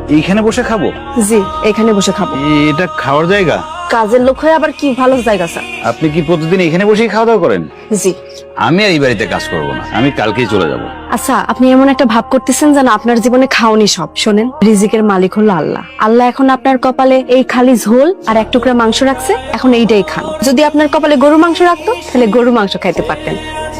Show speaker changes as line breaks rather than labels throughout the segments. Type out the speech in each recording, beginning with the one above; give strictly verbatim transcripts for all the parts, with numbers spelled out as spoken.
এইখানে বসে খাবো?
জি, এখানে বসে খাবো।
এটা খাওয়ার জায়গা?
কাজের লোক হয়ে আবার কি ভালো জায়গা স্যার?
আপনি কি প্রতিদিন এখানে বসেই খাওয়া দাওয়া করেন?
জি।
আমি আর এই বাড়িতে কাজ করব না, আমি কালকেই চলে যাব।
আচ্ছা, আপনি এমন একটা ভাব করতেছেন যেন আপনার জীবনে খাওনি সব। শোনেন, রিজিকের মালিক হলো আল্লাহ। আল্লাহ এখন আপনার কপালে এই খালি ঝোল আর এক টুকরা মাংস রাখছে, এখন এইটাই খান। যদি আপনার কপালে গরু মাংস রাখতো তাহলে গরু মাংস খাইতে পারতেন।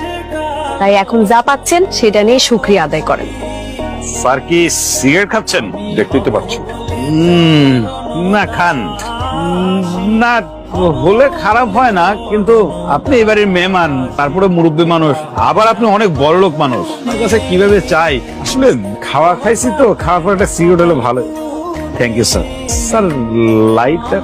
তাই এখন যা পাচ্ছেন সেটা নিয়ে শুকরিয়া আদায় করেন।
স্যার কি সিগারেট খাচ্ছেন?
দেখতেই তো পাচ্ছি।
উম, না খান। উম, না হলে খারাপ হয় না, কিন্তু আপনি এবারের মেহমান, তারপরে মুরব্বী মানুষ, আবার আপনি অনেক বড় লোক মানুষ, আমার কাছে কিভাবে চাই।
আসলে খাওয়া খাইছি তো, খাওয়ার পর একটা সিগারেট হলে ভালো।
Thank you sir.
স্যার লাইটটা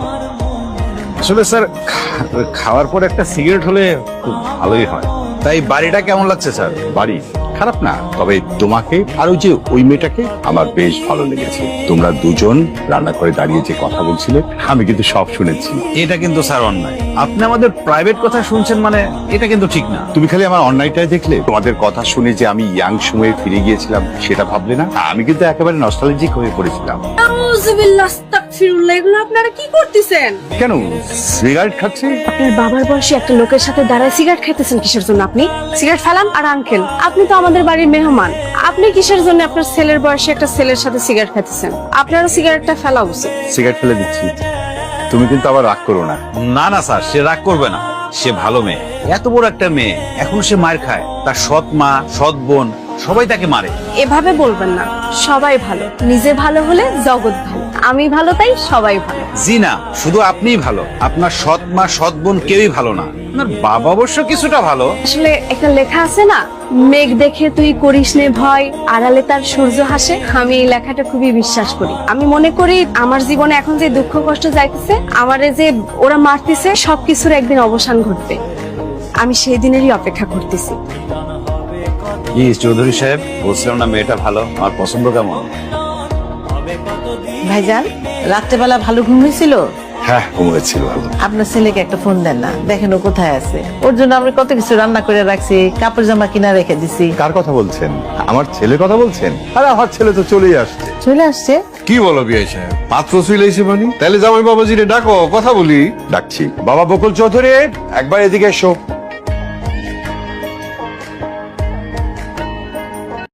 আসলে স্যার খা- খাওয়ার পর একটা সিগারেট হলে খুব ভালোই হয়।
তাই বাড়িটা কেমন লাগছে স্যার?
বাড়ি খারাপ না, তবে তোমাকে আর ওই যে ওই মেয়েটাকে আমার বেশ ভালো লেগেছে। তোমরা দুজন রান্না করে দাঁড়িয়ে যে কথা বলছিলে, আমি কিন্তু সব শুনেছি।
এটা কিন্তু স্যার অন্যায়। আপনি আমাদের প্রাইভেট কথা শুনছেন, মানে এটা কিন্তু ঠিক না।
তুমি খালি আমার অন্যায়টাই দেখলে। তোমাদের কথা শুনে যে আমি ইয়াং সময়ে ফিরে গিয়েছিলাম সেটা ভাবলে না। আমি কিন্তু একেবারে নস্টালজিক হয়ে পড়েছিলাম।
আউযুবিল্লাহ, আস্তাগফিরুল্লাহ, এগুলো আপনারা কি করতেছেন?
কেন সিগারেট খাচ্ছি?
আপনার বাবার বয়সী একটা লোকের সাথে দাঁড়ায় সিগারেট খাইতেছেন কিসের জন্য? আপনি সিগারেট ফেলান। আর আঙ্কেল, আপনি তো আমাদের বাড়ির মেহমান, আপনি কিসের জন্য আপনার ছেলের বয়সী একটা ছেলের সাথে সিগারেট খাইতেছেন? আপনারও সিগারেটটা ফেলা উচিত।
সিগারেট ফেলে দিচ্ছি, তুমি কিন্তু আবার রাগ করো না।
না না স্যার, সে রাগ করবে না। সে ভালো মেয়ে, এত বড় একটা মেয়ে, এখন সে মার খায়। তার সৎ মা, সৎ বোন সবাই তাকে মারে।
এভাবে বলবেন না, সবাই ভালো। নিজে ভালো হলে জগৎ ভালো। আমি ভালো, তাই সবাই ভালো।
জি না, শুধু আপনিই ভালো, আপনার সৎ মা, সৎ বোন কেউই ভালো না। আপনার বাবা অবশ্য কিছুটা ভালো।
আসলে একটা লেখা আছে না, মেঘ দেখে তুই করিস নে ভয়, আড়ালে তার সূর্য হাসে। আমি এই লেখাটা খুবই বিশ্বাস করি। আমি মনে করি আমার জীবনে এখন যে দুঃখ কষ্ট যাইতেছে, আমারে যে ওরা মারতেছে, সবকিছুর একদিন অবসান ঘটবে। আমি সেই দিনেরই অপেক্ষা করতেছি।
জি চৌধুরী সাহেব, বলছিলাম না মেয়েটা ভালো, আমার পছন্দ কেমন?
ভাইজান, রাত্রেবেলা ভালো ঘুম হয়েছিল?
হ্যাঁ, ঘুমিয়েছিল ভালো।
আপনার ছেলেকে একটা ফোন দেন না, দেখেন ও কোথায় আছে। ওর জন্য আমরা কত কিছু রান্না করে রাখছি, কাপড় জামা কিনা রেখে দিছি।
কার কথা বলছেন? আমার ছেলের কথা বলছেন? আরে আমার ছেলে তো চলেই আসছে।
চলে আসছে?
কি বলো বিআই সাহেব, মাত্র চলেছে মানে? তাহলে জামাই বাবাজিরে ডাকো, কথা বলি।
ডাকছি। বাবা বকুল চৌধুরী, একবার এদিকে এসো।